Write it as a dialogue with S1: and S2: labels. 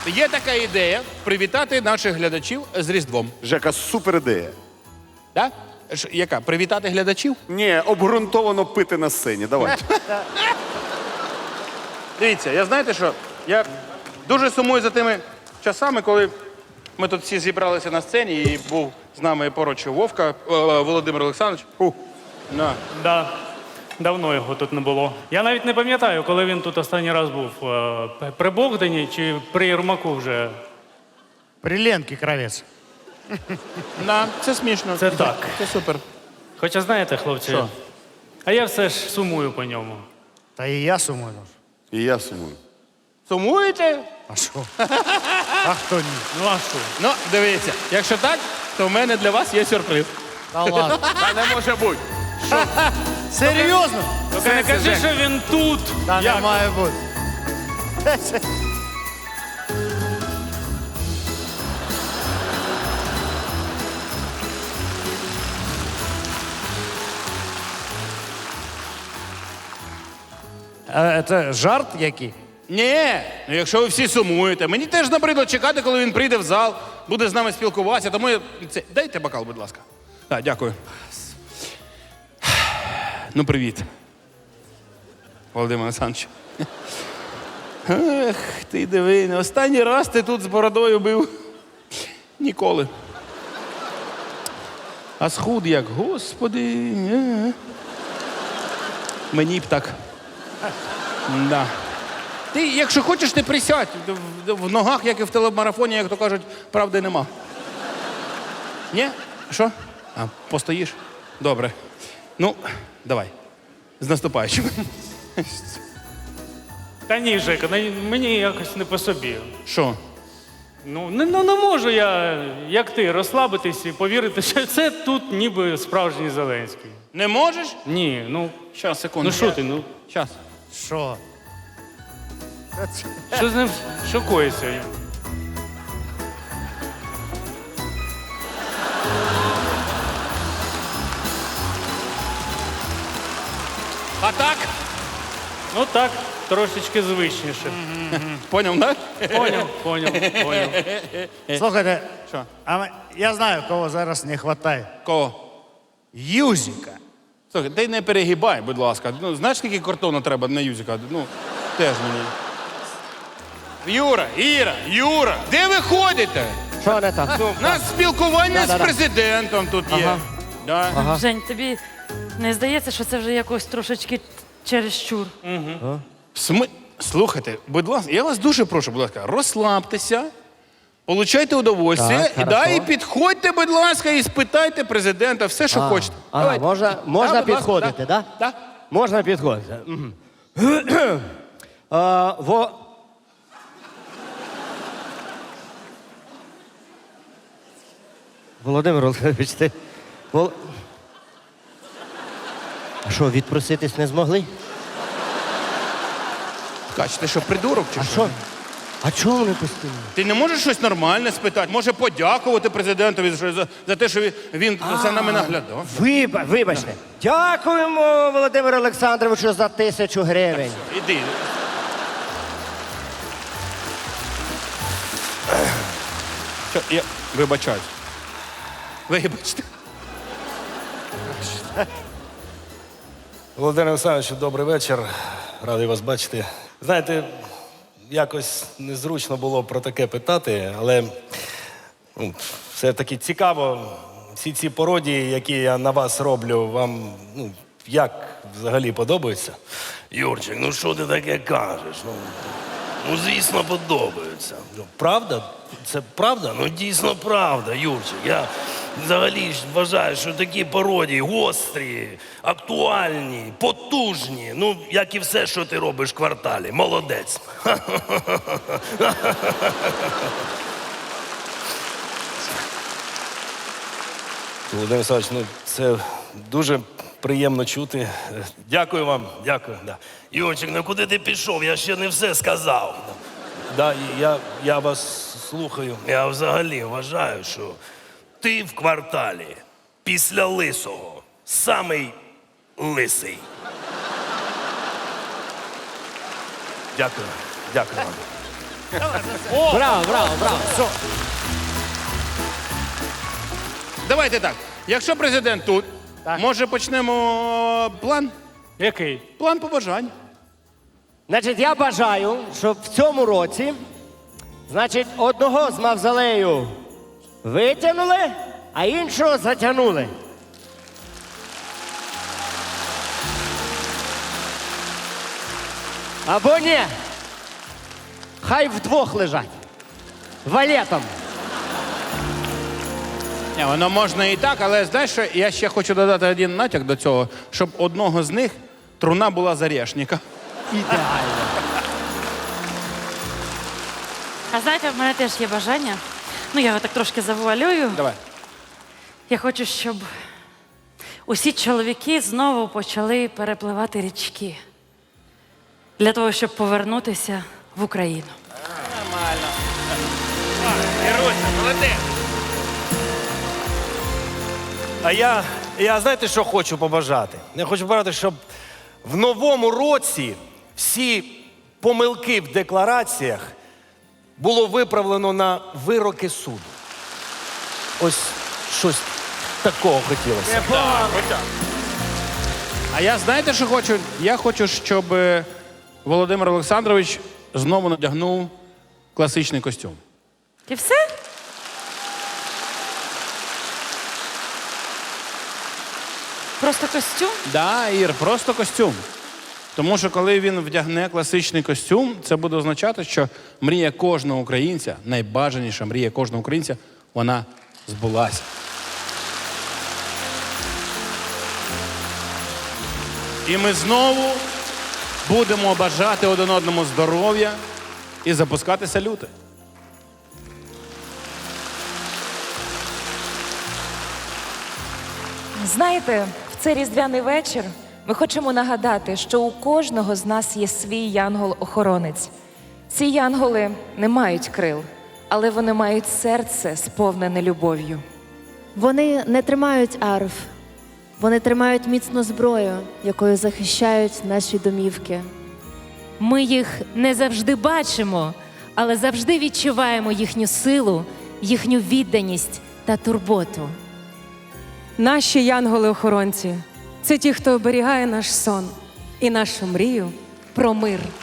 S1: Є така ідея привітати наших глядачів з Різдвом.
S2: Жека, супер ідея.
S1: Так? Яка? Привітати глядачів?
S2: Ні, обґрунтовано пити на сцені. Давай.
S1: Дивіться, я знаєте що? Я дуже сумую за тими часами, коли ми тут всі зібралися на сцені і був з нами поруч Вовка, Володимир Олександрович. На.
S3: Да. Давно його тут не було. Я навіть не пам'ятаю, коли він тут останній раз був. При Богдані чи при Єрмаку вже.
S4: При Ленке Кравець.
S1: На, це смішно.
S3: Це так.
S1: Це супер.
S3: Хоча знаєте, хлопці,
S1: Що?
S3: а я все ж сумую по ньому.
S4: Та і я сумую.
S2: І я сумую.
S1: Сумуєте?
S4: А що? А хто ні?
S3: Ну а що?
S1: Ну, дивіться, якщо так, то в мене для вас є сюрприз.
S4: Та ладно.
S1: Та не може бути.
S4: Серйозно?
S3: Тільки не кажи, що він тут.
S4: Та не має бути. Це жарт який?
S1: Ні, ну якщо ви всі сумуєте, мені теж набридло чекати, коли він прийде в зал, буде з нами спілкуватися, тому я... Дайте бокал, будь ласка. Так, дякую. Ну, привіт. Володимир Олександрович. Ех, ти диви, не останній раз ти тут з бородою бив. Ніколи. А схуд як, господи. Мені б так. Да. Ти, якщо хочеш, ти присядь. В ногах, як і в телемарафоні, як то кажуть, правди нема. Ні? Що? А, постоїш? Добре. Ну, давай. З наступаючим.
S3: Та ні, Жека, мені якось не по собі.
S1: Що?
S3: Ну, не можу я, як ти, розслабитись і повірити, що це тут ніби справжній Зеленський.
S1: Не можеш?
S3: Ні, ну,
S1: Щас, секунду.
S3: ну що ти, ну,
S1: Щас.
S4: Що?
S3: що з ним, що коїться?
S1: А так?
S3: Ну так, трошечки звичніше.
S1: Поняв, так?
S3: Поняв.
S4: Слухайте,
S1: Що?
S4: Я знаю, кого зараз не вистачає.
S1: Кого?
S4: Юзіка.
S1: Слухай, ти не перегибай, будь ласка. Ну, знаєш, скільки картону треба на юзика? Ну, теж мені. Юра, де ви ходите?
S5: Що не так?
S1: У нас спілкування з президентом тут є. Да.
S6: Жень, тобі не здається, що це вже якось трошечки чересчур?
S1: Слухайте, будь ласка, я вас дуже прошу, будь ласка, розслабтеся, получайте удовольствие,
S5: Так,
S1: і підходьте, будь ласка, і спитайте президента все, що хочете.
S5: Ага, можна
S1: будь ласка,
S5: підходити, так?
S1: Так.
S5: Можна підходити. Мгм. Володимир Олександрович, ти... А що, відпроситись не змогли?
S1: Ткач, ти що, придурок чи
S5: А
S1: що?
S5: що? А чого вони постійно?
S1: Ти не можеш щось нормальне спитати? Може подякувати президентові за те, що він за нами наглядав?
S5: Вибачте. Дякуємо, Володимиру Олександровичу, за 1000 гривень.
S1: Іди. Що, я вибачаюсь. Вибачте.
S7: Володимир Олександрович, добрий вечір. Радий вас бачити. Знаєте, якось незручно було про таке питати, але все-таки цікаво, всі ці пародії, які я на вас роблю, вам як взагалі подобаються?
S8: Юрчик, ну що ти таке кажеш? Ну звісно, подобаються. Правда? Це правда? Ну дійсно правда, Юрчик. Я взагалі ж вважаю, що такі пародії гострі, актуальні, потужні. Ну, як і все, що ти робиш в кварталі. Молодець.
S7: Володимир Олександрович, ну це дуже приємно чути. Дякую вам, дякую. Да.
S8: Юрчик, ну куди ти пішов? Я ще не все сказав.
S7: Да, я вас слухаю.
S8: Я взагалі вважаю, що ти в кварталі після лисого самий лисий.
S7: Дякую. Дякую вам.
S5: Браво, браво, браво.
S1: Давайте так. Якщо президент тут, може почнемо план?
S3: Який?
S1: План побажань.
S5: Значить, я бажаю, щоб в цьому році, значить, одного з мавзолею витягнули, а іншого затягнули. Або ні. Хай вдвох лежать. Валетом.
S1: Ні, воно можна і так, але знаєш, що я ще хочу додати один натяк до цього, щоб одного з них труна була з орешника.
S5: Ідеально.
S6: А знаєте, в мене теж є бажання. Ну, я його так трошки завуалюю.
S1: Давай.
S6: Я хочу, щоб усі чоловіки знову почали перепливати річки. Для того, щоб повернутися в Україну.
S7: А я знаєте, що хочу побажати? Я хочу побажати, щоб в новому році всі помилки в деклараціях було виправлено на вироки суду. Ось щось такого хотілося.
S1: А я знаєте, що хочу? Я хочу, щоб Володимир Олександрович знову надягнув класичний костюм.
S6: І все? Просто костюм?
S1: Да, Ір, просто костюм. Тому що коли він вдягне класичний костюм, це буде означати, що мрія кожного українця, найбажаніша мрія кожного українця, вона збулася. І ми знову будемо бажати один одному здоров'я і запускати салюти.
S9: Знаєте, в цей різдвяний вечір ми хочемо нагадати, що у кожного з нас є свій янгол-охоронець. Ці янголи не мають крил, але вони мають серце, сповнене любов'ю.
S10: Вони не тримають арф, вони тримають міцну зброю, якою захищають наші домівки.
S11: Ми їх не завжди бачимо, але завжди відчуваємо їхню силу, їхню відданість та турботу.
S12: Наші янголи-охоронці – це ті, хто оберігає наш сон і нашу мрію про мир.